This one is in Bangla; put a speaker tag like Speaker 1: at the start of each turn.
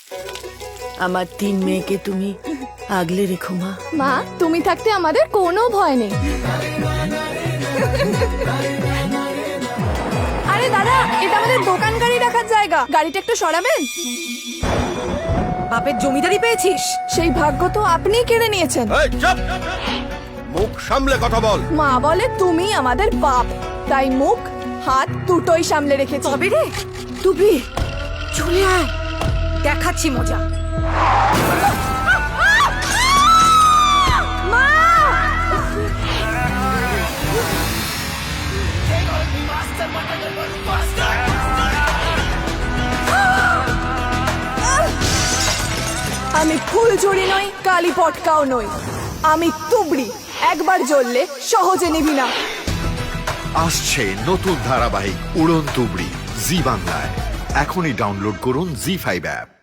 Speaker 1: আমার 3 মেয়েকে তুমি আগলে রেখো মা।
Speaker 2: মা, তুমি থাকতে আমাদের কোনো ভয় নেই। আরে দাদা, এটা আমাদের দোকান গাড়ি রাখার জায়গা, গাড়িটা একটু সরাবেন।
Speaker 3: বাপের জমিদারি পেয়েছিস?
Speaker 2: সেই ভাগ্য তো আপনিই কেড়ে নিয়েছেন।
Speaker 4: এই চুপ! মুখ সামলে কথা বল।
Speaker 2: মা বলে তুমি আমাদের বাপ, তাই মুখ হাত দুটোই সামলে রেখেছি।
Speaker 3: তবে রে তুবি, চলে আয়, দেখাচ্ছি মজা।
Speaker 2: মা! আমি ফুলঝুরি নই, কালী পটকাও নই, আমি তুবড়ি। একবার জ্বললে সহজে নিবি না।
Speaker 5: আসছে নতুন ধারাবাহিক উড়ন তুবড়ি জি বাংলায়। এখনই ডাউনলোড করুন জি5 অ্যাপ।